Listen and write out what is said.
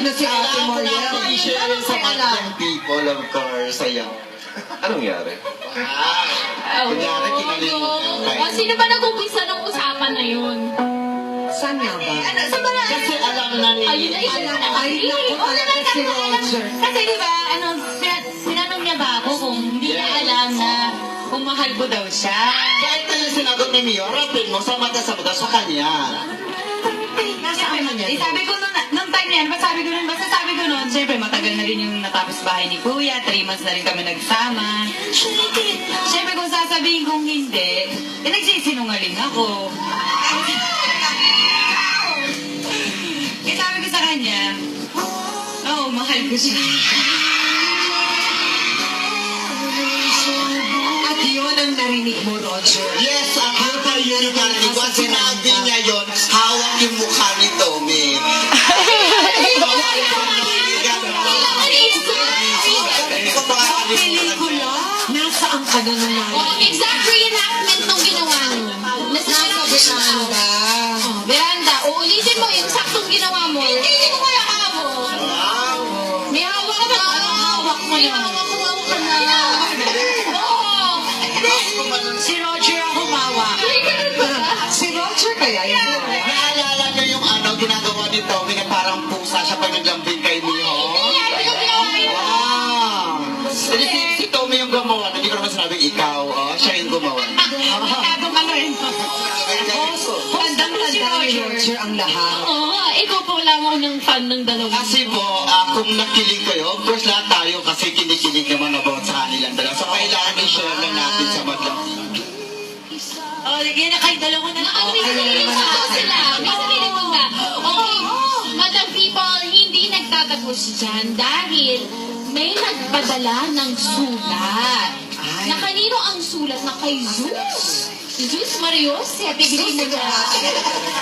na si Ate Moriel. I-share sa mga people, of course, sayang. Anong nangyari? Kunyari, kinalimutan tayo. Sino ba nag-umpisa ng usapan na yun? Saan nga ba? Kasi alam na ni... Ay, naku talaga si Roger. Kasi di ba, sinanong niya ba ako kung hindi niya alam na kung mahal ko daw siya. Kahit na yung sinagot ni Mio, rapin mo sa mata sa kanya. Sabi ko nung time na yan, basta sabi ko nun, siyempre matagal na rin yung natapos bahay ni Kuya, 3 months na rin kami nagsama. Siyempre kung sasabihin kong hindi, nagsisinungaling ako. Eh sabi ko sa kanya, oo, mahal ko siya. At yun ang narinig mo, Roger. Yes, ako pa yun yung narinig ko. At sinabi niya yun, hawak yung mukha ni Tommy. Pelikula? Nasaan ka na naman? Exact reenactment nung ginawa mo. Nasa Veranda. Veranda, uulitin mo yung saktong ginawa mo. Hindi mo kaya kamo. May hawak ka ba? Hawak mo na. Hawak ka na. Oo. Si Roger ang humawa. Si Roger kaya yun? Naalala niyo yung ginagawa ni Tommy na parang pusa siya pag naglambing kay Miho? Si Tommy yung gumawa. Hindi ko naman sinabing ikaw. Siya yung gumawa. Bandang-tanda ni Roger ang lahat. Oo, ikaw po lamang ng fan ng dalawa. Kasi po, kung nakilig kayo, of course lahat tayo kasi kinikilig naman about sa kanilang dalawa. So kailangan i-share na natin sa Madlang TV. Oh, lagyan na kayo dalawa na. May sarili pa sila. May sarili pa ba? Okay, Madam People, hindi nagtatapos dyan dahil may nagpadala ng sulat. Na kanino ang sulat? Na kay Zeus. Si Zeus Marios, si Ate Bigay mo na.